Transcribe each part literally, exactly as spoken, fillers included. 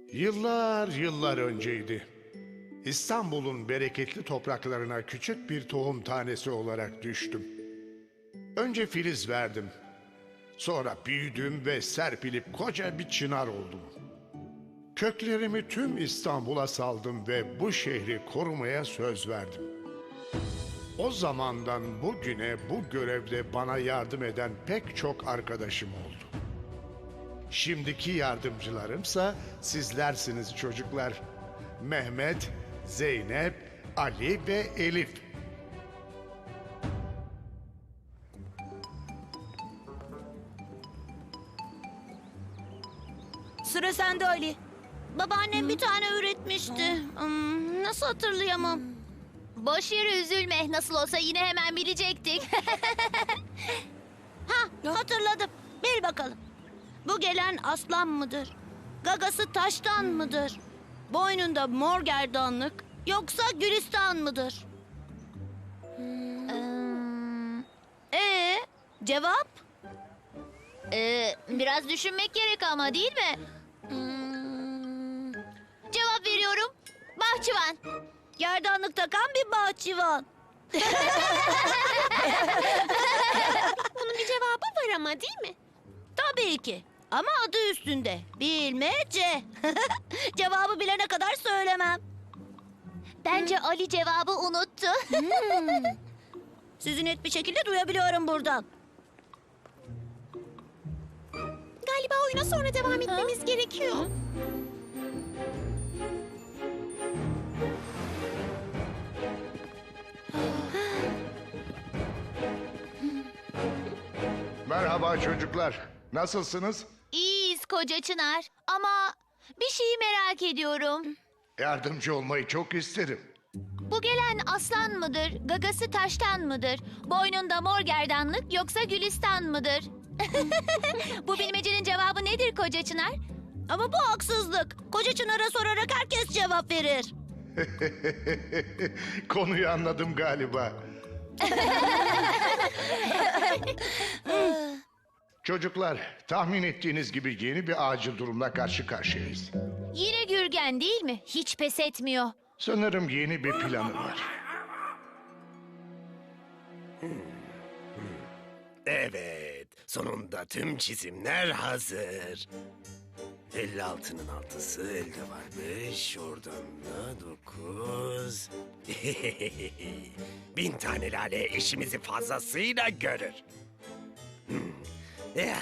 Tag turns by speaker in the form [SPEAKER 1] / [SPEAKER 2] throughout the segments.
[SPEAKER 1] Yıllar yıllar önceydi. İstanbul'un bereketli topraklarına küçük bir tohum tanesi olarak düştüm. Önce filiz verdim. Sonra büyüdüm ve serpilip koca bir çınar oldum. Köklerimi tüm İstanbul'a saldım ve bu şehri korumaya söz verdim. O zamandan bugüne bu görevde bana yardım eden pek çok arkadaşım oldu. Şimdiki yardımcılarımsa sizlersiniz çocuklar. Mehmet, Zeynep, Ali ve Elif.
[SPEAKER 2] Sıra sende Ali.
[SPEAKER 3] Babaannem bir tane üretmişti. Hmm, nasıl hatırlayamam? Boş yere üzülme. Nasıl olsa yine hemen bilecektik.
[SPEAKER 2] Ha, hatırladım. Bil bakalım. Bu gelen aslan mıdır? Gagası taştan mıdır? Boynunda mor gerdanlık yoksa gülistan mıdır?
[SPEAKER 3] Hmm,
[SPEAKER 2] Ee, cevap?
[SPEAKER 3] ee, biraz düşünmek gerek ama değil mi? Hmm, cevap veriyorum. Bahçıvan.
[SPEAKER 2] Gerdanlık takan bir bahçıvan.
[SPEAKER 3] Bunun bir cevabı var ama değil mi?
[SPEAKER 2] Tabii ki. Ama adı üstünde. Bilmece. Cevabı bilene kadar söylemem.
[SPEAKER 3] Bence Ali cevabı unuttu.
[SPEAKER 2] Sizi net bir şekilde duyabiliyorum buradan.
[SPEAKER 3] Galiba oyuna sonra devam etmemiz gerekiyor.
[SPEAKER 1] Merhaba çocuklar. Nasılsınız?
[SPEAKER 3] İyiyiz koca Çınar. Ama bir şeyi merak ediyorum.
[SPEAKER 1] Yardımcı olmayı çok isterim.
[SPEAKER 3] Bu gelen aslan mıdır, gagası taştan mıdır, boynunda mor gerdanlık yoksa gülistan mıdır? Bu bilmecenin cevabı nedir koca Çınar?
[SPEAKER 2] Ama bu haksızlık. Koca Çınar'a sorarak herkes cevap verir.
[SPEAKER 1] Konuyu anladım galiba. Çocuklar, tahmin ettiğiniz gibi yeni bir acil durumla karşı karşıyayız.
[SPEAKER 3] Yine Gürgen değil mi? Hiç pes etmiyor.
[SPEAKER 1] Sanırım yeni bir planı var.
[SPEAKER 4] Evet, sonunda tüm çizimler hazır. elli altının altısı elde varmış, oradan da dokuz. Bin tane lale işimizi fazlasıyla görür. Hmm. Ya.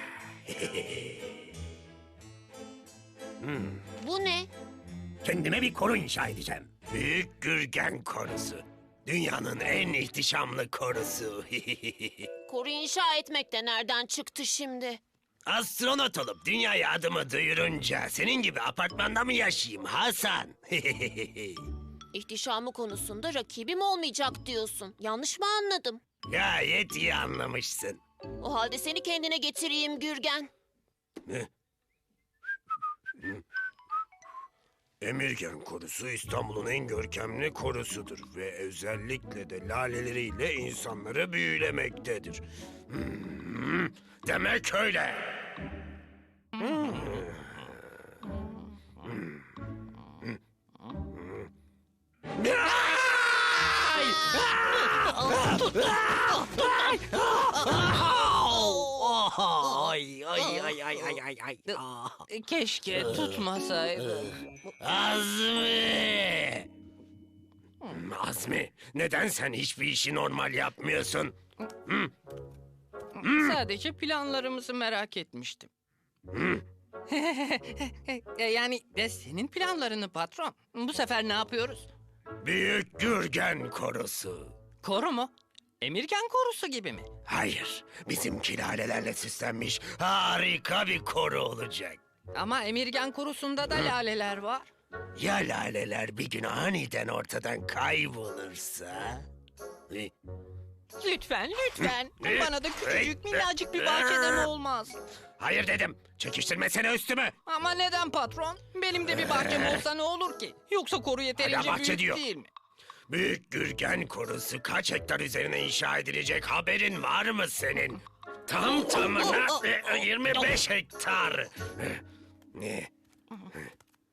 [SPEAKER 3] Bu ne?
[SPEAKER 4] Kendime bir koru inşa edeceğim. Büyük Gürgen korusu. Dünyanın en ihtişamlı korusu.
[SPEAKER 5] Koru inşa etmek de nereden çıktı şimdi?
[SPEAKER 4] Astronot olup dünyaya adımı duyurunca senin gibi apartmanda mı yaşayayım Hasan?
[SPEAKER 5] İhtişamı konusunda rakibim olmayacak diyorsun. Yanlış mı anladım?
[SPEAKER 4] Gayet iyi anlamışsın.
[SPEAKER 5] O halde seni kendine getireyim Gürgen.
[SPEAKER 4] Ne? Emirgen korusu İstanbul'un en görkemli korusudur ve özellikle de laleleriyle insanları büyülemektedir. Hmm, demek öyle. Hmm. Ay! Ay ay ay ay ay ay ay. Ah.
[SPEAKER 6] Keşke tutmasaydı.
[SPEAKER 4] Azmi! Hmm, Azmi, neden sen hiçbir işi normal yapmıyorsun?
[SPEAKER 6] Sadece planlarımızı merak etmiştim. Yani de senin planlarını patron. Bu sefer ne yapıyoruz?
[SPEAKER 4] Büyük Gürgen korusu.
[SPEAKER 6] Koru mu? Emirgen korusu gibi mi?
[SPEAKER 4] Hayır, bizimki lalelerle süslenmiş harika bir koru olacak.
[SPEAKER 6] Ama Emirgen korusunda da laleler var.
[SPEAKER 4] Ya laleler bir gün aniden ortadan kaybolursa? Hı?
[SPEAKER 6] Lütfen, lütfen.
[SPEAKER 4] Ne?
[SPEAKER 6] Bana da küçücük
[SPEAKER 4] Hey,
[SPEAKER 6] minnacık bir
[SPEAKER 4] e,
[SPEAKER 6] bahçeden
[SPEAKER 4] e.
[SPEAKER 6] olmaz.
[SPEAKER 4] Hayır dedim, çekiştirmesene üstümü.
[SPEAKER 6] Ama neden patron? Benim de bir bahçem olsa ne olur ki? Yoksa koru yeterince
[SPEAKER 4] bahçe
[SPEAKER 6] büyük
[SPEAKER 4] diyor.
[SPEAKER 6] değil mi?
[SPEAKER 4] Büyük Gürgen korusu kaç hektar üzerine inşa edilecek haberin var mı senin? Tam tamına e, yirmi beş hektar. Ne?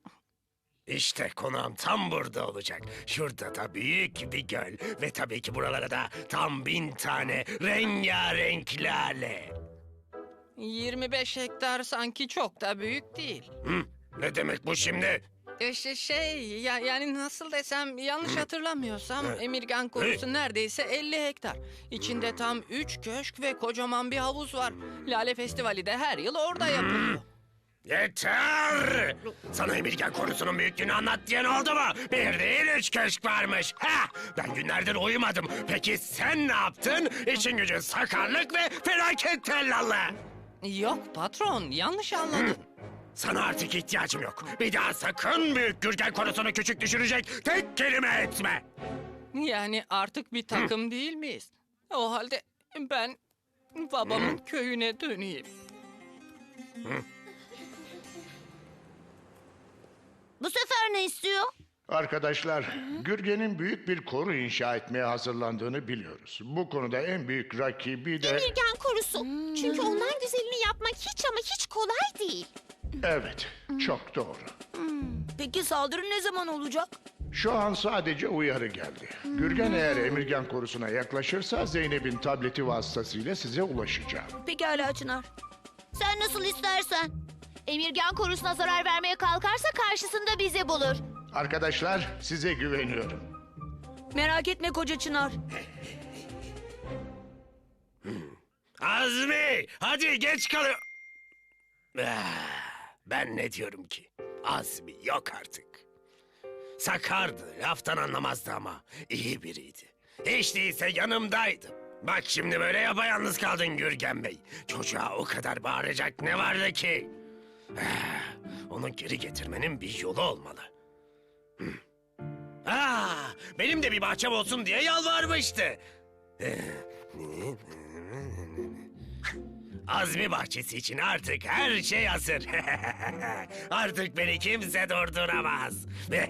[SPEAKER 4] İşte konağım tam burada olacak. Şurada da büyük bir göl. Ve tabii ki buralara da tam bin tane rengarenk lale.
[SPEAKER 6] yirmi beş hektar sanki çok da büyük değil.
[SPEAKER 4] Hı? Ne demek bu şimdi?
[SPEAKER 6] E, şey, şey ya, yani nasıl desem yanlış hatırlamıyorsam Emirgan korusu neredeyse elli hektar. İçinde tam üç köşk ve kocaman bir havuz var. Lale Festivali de her yıl orada yapılıyor.
[SPEAKER 4] Yeter! Sana Emirgan korusunun büyüklüğünü anlat diyen oldu mu? Bir değil üç köşk varmış. Ha! Ben günlerdir uyumadım. Peki sen ne yaptın? İşin gücün sakarlık ve felaket tellallı.
[SPEAKER 6] Yok patron, yanlış anladın.
[SPEAKER 4] Sana artık ihtiyacım yok. Bir daha sakın büyük Gürgen konusunu küçük düşürecek tek kelime etme.
[SPEAKER 6] Yani artık bir takım değil miyiz? O halde ben babamın köyüne döneyim.
[SPEAKER 2] Bu sefer ne istiyor?
[SPEAKER 1] Arkadaşlar, Gürgen'in büyük bir koru inşa etmeye hazırlandığını biliyoruz. Bu konuda en büyük rakibi de...
[SPEAKER 3] Emirgan korusu. Çünkü ondan güzelini yapmak hiç ama hiç kolay değil.
[SPEAKER 1] Evet, çok doğru.
[SPEAKER 2] Peki saldırı ne zaman olacak?
[SPEAKER 1] Şu an sadece uyarı geldi. Gürgen eğer Emirgan korusuna yaklaşırsa Zeynep'in tableti vasıtasıyla size ulaşacağım.
[SPEAKER 2] Pekala Çınar. Sen nasıl istersen.
[SPEAKER 3] Emirgan korusuna zarar vermeye kalkarsa karşısında bizi bulur.
[SPEAKER 1] Arkadaşlar, size güveniyorum.
[SPEAKER 2] Merak etme koca Çınar.
[SPEAKER 4] Azmi! Hadi geç kalıyor. Ah, ben ne diyorum ki? Azmi yok artık. Sakardı, laftan anlamazdı ama iyi biriydi. Hiç değilse yanımdaydı. Bak şimdi böyle yapayalnız kaldın Gürgen Bey. Çocuğa o kadar bağıracak ne vardı ki? Ah, onu geri getirmenin bir yolu olmalı. Hmm. Ah, benim de bir bahçem olsun diye yalvarmıştı. Azmi bahçesi için artık her şey hazır. Artık beni kimse durduramaz.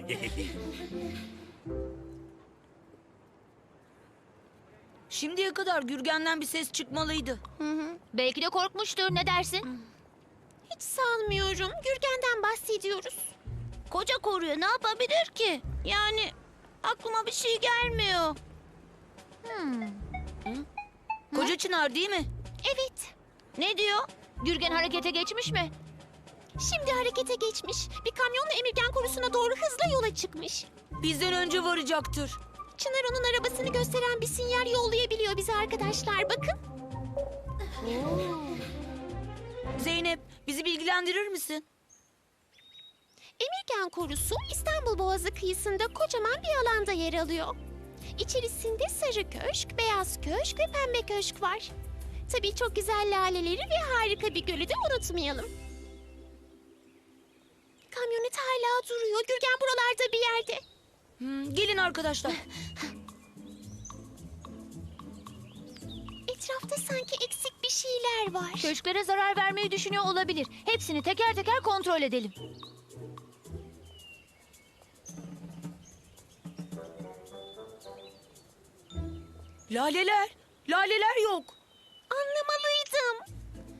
[SPEAKER 2] Şimdiye kadar Gürgen'den bir ses çıkmalıydı.
[SPEAKER 3] Belki de korkmuştur. Ne dersin? Hiç sanmıyorum. Gürgen'den bahsediyoruz.
[SPEAKER 2] Koca koruya ne yapabilir ki? Yani aklıma bir şey gelmiyor. Hı? Koca Çınar değil mi?
[SPEAKER 3] Evet.
[SPEAKER 2] Ne diyor?
[SPEAKER 3] Gürgen harekete geçmiş mi? Şimdi harekete geçmiş. Bir kamyonla Emirgan korusuna doğru hızla yola çıkmış.
[SPEAKER 2] Bizden önce varacaktır.
[SPEAKER 3] Çınar onun arabasını gösteren bir sinyal yollayabiliyor bize arkadaşlar. Bakın.
[SPEAKER 2] Zeynep, bizi bilgilendirir misin?
[SPEAKER 3] Emirgan korusu İstanbul Boğazı kıyısında kocaman bir alanda yer alıyor. İçerisinde sarı köşk, beyaz köşk ve pembe köşk var. Tabii çok güzel laleleri ve harika bir gölü de unutmayalım. Kamyonet hala duruyor. Gürgen buralarda bir yerde.
[SPEAKER 2] Hmm, gelin arkadaşlar.
[SPEAKER 3] Etrafta sanki eksik bir şeyler var. Köşklere zarar vermeyi düşünüyor olabilir. Hepsini teker teker kontrol edelim.
[SPEAKER 2] Laleler, laleler yok.
[SPEAKER 3] Anlamalıydım.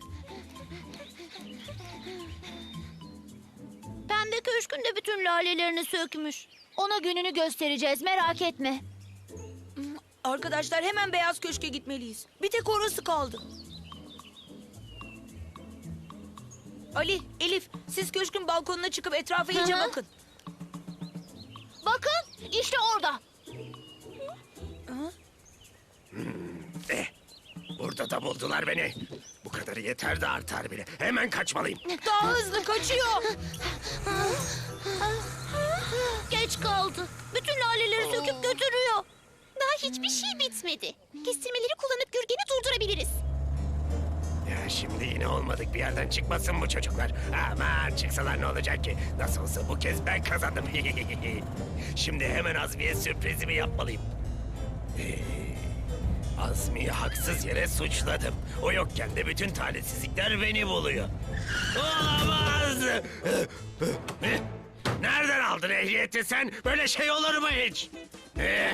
[SPEAKER 2] Pembe köşkün de bütün lalelerini sökmüş.
[SPEAKER 3] Ona gününü göstereceğiz, merak etme.
[SPEAKER 2] Arkadaşlar hemen beyaz köşke gitmeliyiz. Bir tek orası kaldı. Ali, Elif, siz köşkün balkonuna çıkıp etrafa iyice
[SPEAKER 3] Hı hı.
[SPEAKER 2] bakın.
[SPEAKER 3] Bakın, işte orada.
[SPEAKER 4] Eh, burada da buldular beni. Bu kadarı yeter de artar bile. Hemen kaçmalıyım.
[SPEAKER 2] Daha hızlı kaçıyor. Geç kaldı. Bütün laleleri söküp götürüyor.
[SPEAKER 3] Daha hiçbir şey bitmedi. Kestirmeleri kullanıp Gürgen'i durdurabiliriz.
[SPEAKER 4] Ya şimdi yine olmadık bir yerden çıkmasın bu çocuklar. Aman çıksalar ne olacak ki? Nasıl olsa bu kez ben kazandım. Şimdi hemen Azmi'ye sürprizimi yapmalıyım. Ee, Azmi'yi haksız yere suçladım. O yokken de bütün talihsizlikler beni buluyor. Olamaz! Nereden aldın ehliyeti sen? Böyle şey olur mu hiç? Ee,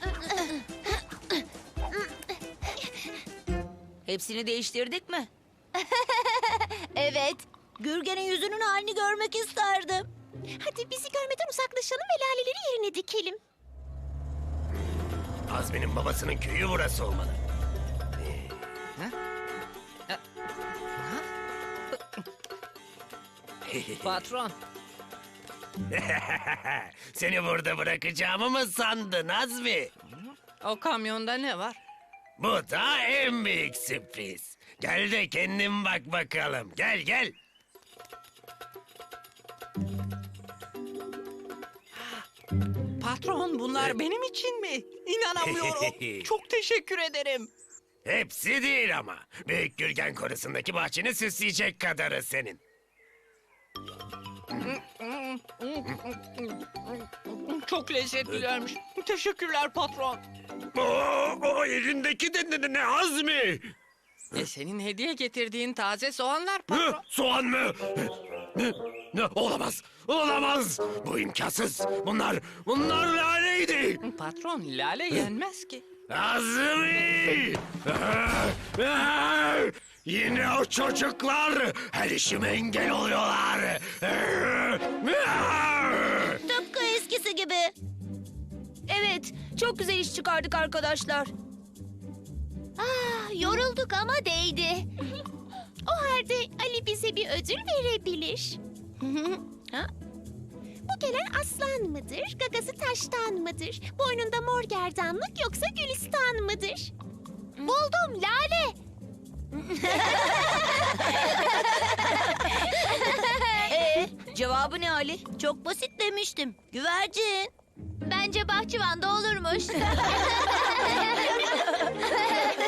[SPEAKER 2] Hepsini değiştirdik mi? Evet, Gürgen'in yüzünün halini görmek isterdim.
[SPEAKER 3] Hadi bizi görmeden uzaklaşalım ve laleleri yerine dikelim.
[SPEAKER 4] Azmi'nin babasının köyü burası olmalı.
[SPEAKER 6] Patron,
[SPEAKER 4] Seni burada bırakacağımı mı sandın Azmi?
[SPEAKER 6] o kamyonda ne var?
[SPEAKER 4] Bu da en büyük sürpriz. Gel de kendin bak bakalım. Gel gel.
[SPEAKER 6] Patron, bunlar benim için mi? İnanamıyorum. Çok teşekkür ederim.
[SPEAKER 4] Hepsi değil ama. Büyük Gürgen Korusu'ndaki bahçeni süsleyecek kadarı senin.
[SPEAKER 6] Çok lezzetlilermiş. Teşekkürler patron.
[SPEAKER 4] Oo, o elindeki de ne, ne Azmi?
[SPEAKER 6] E senin hediye getirdiğin taze soğanlar
[SPEAKER 4] Hı,
[SPEAKER 6] patron.
[SPEAKER 4] soğan mı? Ne, ne, olamaz, olamaz. Bu imkansız. Bunlar, bunlar laleydi.
[SPEAKER 6] Patron, lale yenmez ki.
[SPEAKER 4] Azmi! Ah, ah! Yine o çocuklar her işime engel oluyorlar. Ah!
[SPEAKER 2] Tıpkı eskisi gibi. Evet, çok güzel iş çıkardık arkadaşlar.
[SPEAKER 3] Ah, yorulduk ama değdi. O halde Ali bize bir ödül verebilir.
[SPEAKER 2] Ha?
[SPEAKER 3] Bu gelen aslan mıdır, gagası taştan mıdır? Boynunda mor gerdanlık yoksa gülistan mıdır? Buldum, lale.
[SPEAKER 2] Ee, cevabı ne Ali? Çok basit demiştim. Güvercin.
[SPEAKER 3] Bence bahçıvanda olurmuş.